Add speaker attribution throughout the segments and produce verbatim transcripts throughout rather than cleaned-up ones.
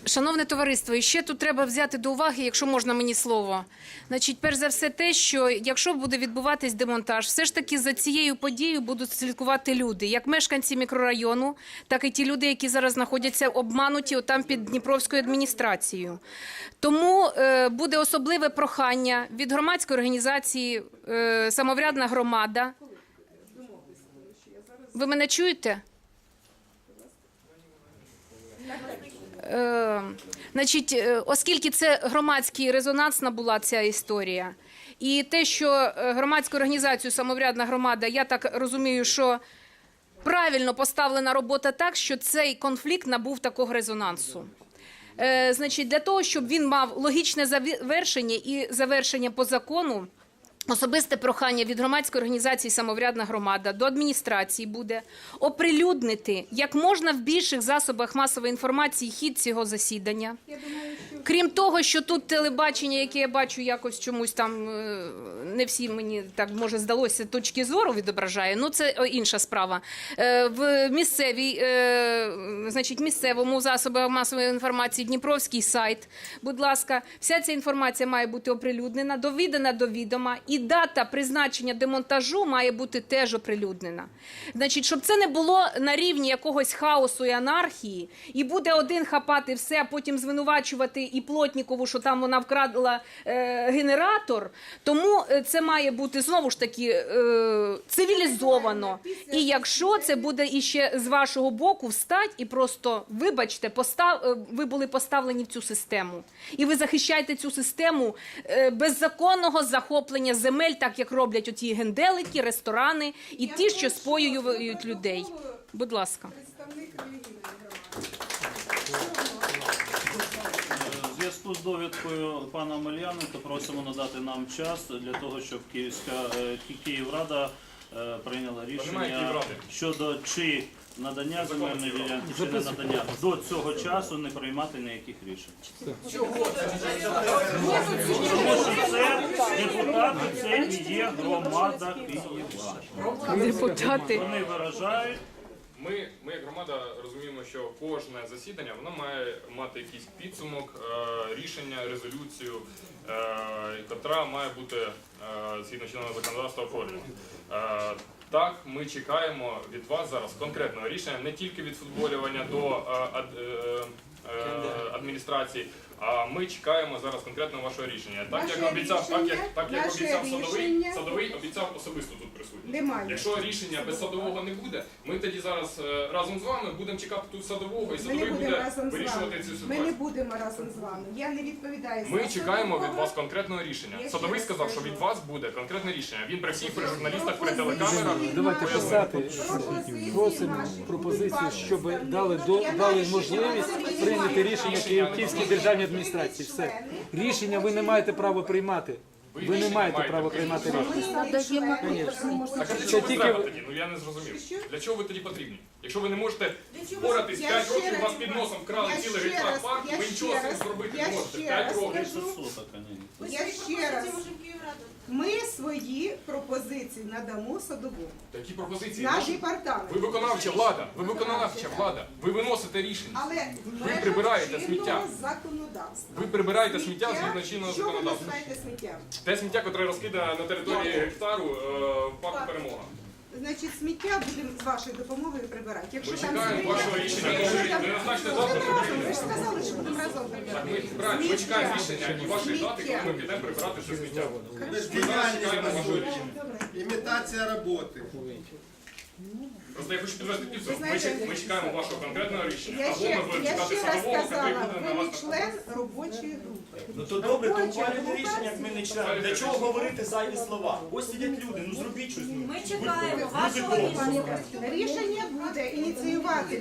Speaker 1: Шановне товариство, і ще тут треба взяти до уваги, якщо можна мені слово. Значить, перш за все те, що якщо буде відбуватись демонтаж, все ж таки за цією подією будуть слідкувати люди, як мешканці мікрорайону, так і ті люди, які зараз знаходяться обмануті отам під Дніпровською адміністрацією. Тому е, буде особливе прохання від громадської організації е, «Самоврядна громада». Ви мене чуєте? Е, значить, оскільки це громадський резонансна була ця історія, і те, що громадську організацію «Самоврядна громада», я так розумію, що правильно поставлена робота так, що цей конфлікт набув такого резонансу. Е, значить, для того, щоб він мав логічне завершення і завершення по закону, особисте прохання від громадської організації «Самоврядна громада» до адміністрації буде оприлюднити як можна в більших засобах масової інформації хід цього засідання. Крім того, що тут телебачення, яке я бачу якось чомусь там, не всі мені так, може, здалося, точки зору відображає, ну це інша справа. В місцевій, значить, місцевому засобі масової інформації Дніпровський сайт, будь ласка, вся ця інформація має бути оприлюднена, довідана до відома. І дата призначення демонтажу має бути теж оприлюднена. Значить, щоб це не було на рівні якогось хаосу і анархії, і буде один хапати все, а потім звинувачувати і Плотнікову, що там вона вкрадла е, генератор, тому це має бути, знову ж таки, е, цивілізовано. І якщо це буде іще з вашого боку встать і просто, вибачте, постав, ви були поставлені в цю систему. І ви захищаєте цю систему е, беззаконного захоплення земель, так як роблять оті генделики, ресторани і ті, що споюють людей. Будь ласка.
Speaker 2: У зв'язку з довідкою пана Омельяненка просимо надати нам час для того, щоб Київська Київрада прийняла рішення щодо чи надання земельної ділянки, чи не надання. До цього часу не приймати ніяких рішень. Чого? Тому що це депутати, це і є громада Києва.
Speaker 1: Депутати.
Speaker 2: Вони виражають.
Speaker 3: Ми, ми як громада розуміємо, що кожне засідання воно має мати якийсь підсумок, е, рішення, резолюцію, е, яка має бути е, згідно чинного законодавства оформлена. Е, так, ми чекаємо від вас зараз конкретного рішення, не тільки від футболювання до е, ад, е, е, адміністрації, а ми чекаємо зараз конкретно вашого рішення. Так як обіцяв, так як так як обіцяв садовий, садовий обіцяв особисто тут присутній.
Speaker 4: Немає.
Speaker 3: Якщо рішення без садового не буде, ми тоді зараз е, разом з вами будемо чекати тут садового, і
Speaker 4: Ми не
Speaker 3: садовий
Speaker 4: будемо
Speaker 3: буде
Speaker 4: разом з
Speaker 3: вирішувати
Speaker 4: вами.
Speaker 3: цю
Speaker 4: Ми не
Speaker 3: ситуацію.
Speaker 4: будемо разом з вами. Я не відповідаю за
Speaker 3: Ми чекаємо від
Speaker 4: садового.
Speaker 3: вас конкретного рішення.
Speaker 4: Я
Speaker 3: Садовий
Speaker 4: ще
Speaker 3: сказав,
Speaker 4: раз
Speaker 3: що
Speaker 4: кажу.
Speaker 3: від вас буде конкретне рішення. Він при всіх, при журналістах, при телекамерах.
Speaker 5: Давайте писати
Speaker 4: Пропозиції
Speaker 5: просимо
Speaker 4: наші
Speaker 5: пропозицію,
Speaker 4: будуть
Speaker 5: щоб
Speaker 4: використані.
Speaker 5: дали до
Speaker 4: Я
Speaker 5: дали
Speaker 4: навіть
Speaker 5: можливість
Speaker 4: ще раз
Speaker 5: прийняти
Speaker 4: не
Speaker 5: рішення
Speaker 4: маю.
Speaker 5: Київ- Київській державній адміністрації. Все рішення ви не маєте права приймати. Ви не маєте права приймати рішення.
Speaker 3: Так а для
Speaker 5: Це
Speaker 3: чого ви
Speaker 5: тільки
Speaker 3: треба
Speaker 5: ви-
Speaker 3: тоді? Ну я не зрозумів. Для чого ви тоді потрібні? Якщо ви не можете
Speaker 4: чого?
Speaker 3: впоратись
Speaker 4: Я
Speaker 3: п'ять
Speaker 4: ще
Speaker 3: років,
Speaker 4: раз-
Speaker 3: у вас під носом вкрали
Speaker 4: я
Speaker 3: цілий
Speaker 4: ще
Speaker 3: гектар
Speaker 4: раз-
Speaker 3: парку,
Speaker 4: я
Speaker 3: ви
Speaker 4: ще
Speaker 3: нічого з цим
Speaker 4: раз-
Speaker 3: зробити
Speaker 4: я
Speaker 3: не можете.
Speaker 4: ще
Speaker 3: п'ять
Speaker 4: раз
Speaker 3: років.
Speaker 2: Більше соток, а не.
Speaker 4: Я ще раз. Ми свої пропозиції надамо садовому.
Speaker 3: Такі пропозиції.
Speaker 4: Наш
Speaker 3: наші.
Speaker 4: департамент.
Speaker 3: Ви виконавча влада, ви виконавча влада, ви виносите рішення.
Speaker 4: Але
Speaker 3: Ви прибираєте сміття.
Speaker 4: чинного законодавства.
Speaker 3: Ви прибираєте сміття згідно чинного
Speaker 4: Що ви
Speaker 3: законодавства.
Speaker 4: називаєте сміттям?
Speaker 3: Те сміття, яке розкидає на території гектару е, в парку Перемога.
Speaker 4: Значить, сміття будемо з вашою допомогою прибирати. Якщо
Speaker 3: Ми
Speaker 4: там
Speaker 3: чекаємо
Speaker 4: сміття-
Speaker 3: вашого рішення.
Speaker 4: Якщо
Speaker 3: Ви
Speaker 4: там-
Speaker 3: назначте
Speaker 4: Будемо
Speaker 3: завтра
Speaker 4: разом.
Speaker 3: прибирати.
Speaker 4: Ви ж сказали, що будемо разом
Speaker 3: Так,
Speaker 4: прибирати.
Speaker 3: ми, правильно, ми чекаємо
Speaker 4: Сміття.
Speaker 3: рішення і вашої дати, коли ми
Speaker 4: Сміття.
Speaker 3: підемо прибирати це сміття.
Speaker 6: Ми ж
Speaker 3: Ми зараз чекаємо
Speaker 6: діяльність
Speaker 3: вашого рішення.
Speaker 4: Добре.
Speaker 6: імітація роботи.
Speaker 3: Просто я хочу підвести підсумок. Ми,
Speaker 4: знаєте,
Speaker 3: чек- ми чекаємо вашого конкретного рішення.
Speaker 4: Я
Speaker 3: Або
Speaker 4: ще,
Speaker 3: ми будемо
Speaker 4: я
Speaker 3: чекати
Speaker 4: ще раз
Speaker 3: садового, який
Speaker 4: сказала,
Speaker 3: буде на
Speaker 4: ви
Speaker 3: вас
Speaker 4: не член робочої групи.
Speaker 7: Ну то добре, то
Speaker 4: Робоча
Speaker 7: ухвалюйте
Speaker 4: група
Speaker 7: рішення, як ми не члени. Для чого говорити зайві слова? Ось сидять люди, ну зробіть щось. Ну.
Speaker 8: Ми чекаємо вашого рішення.
Speaker 4: Рішення буде ініціювати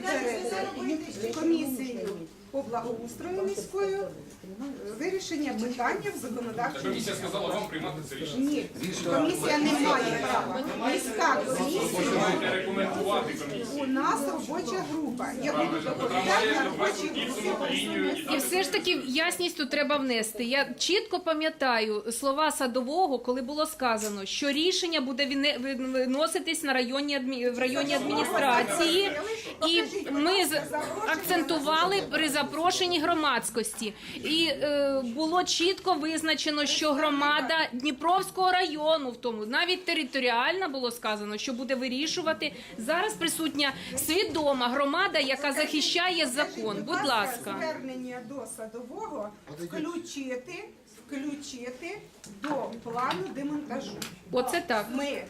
Speaker 4: перед комісією по благоустрою міською вирішення питання в
Speaker 3: Та
Speaker 4: законодавчому.
Speaker 3: комісія сказала вам приймати це рішення.
Speaker 4: Ні, комісія не має права. Міська
Speaker 3: Ви
Speaker 4: комісія.
Speaker 3: маєте рекомендувати формувати комісії.
Speaker 4: У нас робоча група. Я буду
Speaker 3: Котра
Speaker 4: доповідати
Speaker 3: має
Speaker 4: на робочій
Speaker 3: вести
Speaker 4: групі.
Speaker 3: підсумок, лінію і
Speaker 1: І
Speaker 3: дати
Speaker 1: все ж таки ясність тут треба внести. Я чітко пам'ятаю слова Садового, коли було сказано, що рішення буде вине- виноситись на районні адмі... в районній адміністрації, і ми з- акцентували при запрошенні громадськості. І е, було чітко визначено, що громада Дніпровського району, в тому навіть територіальна було сказано, що буде вирішувати. Зараз присутня свідома громада, яка захищає закон. Будь ласка.
Speaker 4: Звернення до Садового включити, включити до плану демонтажу.
Speaker 1: Оце так.
Speaker 4: Ми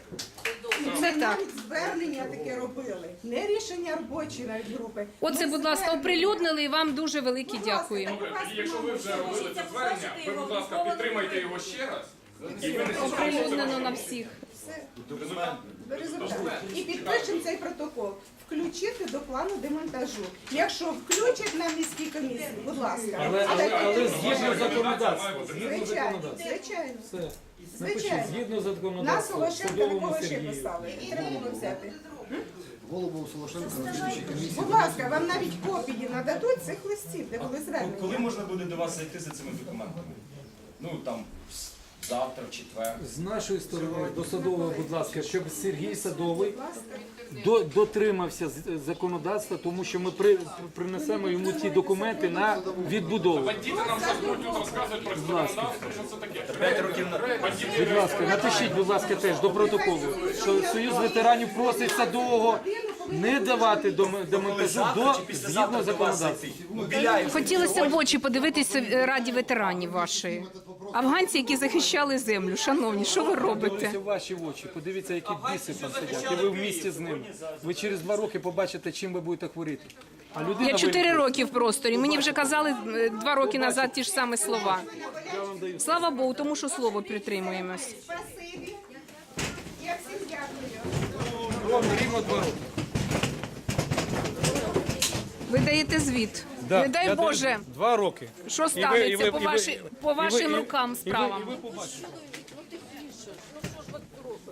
Speaker 1: Це
Speaker 4: ми
Speaker 1: так.
Speaker 4: навіть звернення таке робили, не рішення робочої навіть групи.
Speaker 1: Оце,
Speaker 4: Ми
Speaker 1: будь ласка,
Speaker 4: звернення.
Speaker 1: оприлюднили і вам дуже велике
Speaker 4: Будь ласка,
Speaker 1: дякую.
Speaker 3: Добре, тоді якщо ви вже робили це звернення, ви, будь ласка, підтримайте його ще раз. І винесіть
Speaker 1: Оприлюднено на всіх.
Speaker 4: Все.
Speaker 3: результат.
Speaker 4: Результат. І підпишемо цей протокол. Включити до плану демонтажу. Якщо включать на міській комісії, будь ласка.
Speaker 5: Але, але, але згідно законодавства. Згідно
Speaker 4: Звичайно,
Speaker 5: законодавства.
Speaker 4: звичайно.
Speaker 5: Все. Напишіть,
Speaker 4: Звичайно.
Speaker 5: згідно
Speaker 4: Нас
Speaker 5: законодавства,
Speaker 4: Волошенка
Speaker 5: Садовому
Speaker 4: такого ще
Speaker 5: Сергію.
Speaker 4: писали. Треба було взяти.
Speaker 6: Голову Солошенка на слідчій комісії.
Speaker 4: Будь ласка, вам навіть копії нададуть цих листів, де були
Speaker 7: Коли
Speaker 4: звернення.
Speaker 7: можна буде до вас зайти за цими документами? Ну там завтра, в четвер.
Speaker 5: З нашої сторони до Садового, будь ласка, щоб Сергій Садовий до- дотримався з- законодавства, тому що ми при, принесемо йому ті документи на відбудову.
Speaker 3: Бандити нам зараз будуть тут розказувати про законодавство, що це таке.
Speaker 7: П'ять років на
Speaker 5: Будь ласка, напишіть, будь ласка, теж до протоколу, що Союз ветеранів просить Садового не давати дом- демонтажу до згідно законодавства.
Speaker 7: Ну, біляємо.
Speaker 1: Хотілося в очі подивитися е, раді ветеранів вашої. Афганці, які захищали землю. Шановні, що ви робите?
Speaker 5: Подивіться в ваші очі, подивіться, які біси там сидять. І ви в місті з ними. Ви через два роки побачите, чим ви будете хворіти. А людина
Speaker 1: Я чотири
Speaker 5: вилікує.
Speaker 1: роки в просторі. Мені вже казали е, два роки назад ті ж самі слова. Слава Богу, тому що слово притримуємось.
Speaker 4: Спасибі. Я всім дякую.
Speaker 5: Ровно, рівно два роки.
Speaker 1: Ви даєте звіт.
Speaker 5: Да,
Speaker 1: Не дай
Speaker 5: я даю
Speaker 1: Боже,
Speaker 5: Два роки.
Speaker 1: що
Speaker 5: І ви- і
Speaker 1: станеться
Speaker 5: ви-
Speaker 1: по,
Speaker 5: і ви-
Speaker 1: ваші, по
Speaker 5: і ви-
Speaker 1: вашим
Speaker 5: і-
Speaker 1: рукам
Speaker 5: і ви-
Speaker 1: справам.
Speaker 5: і ви побачите.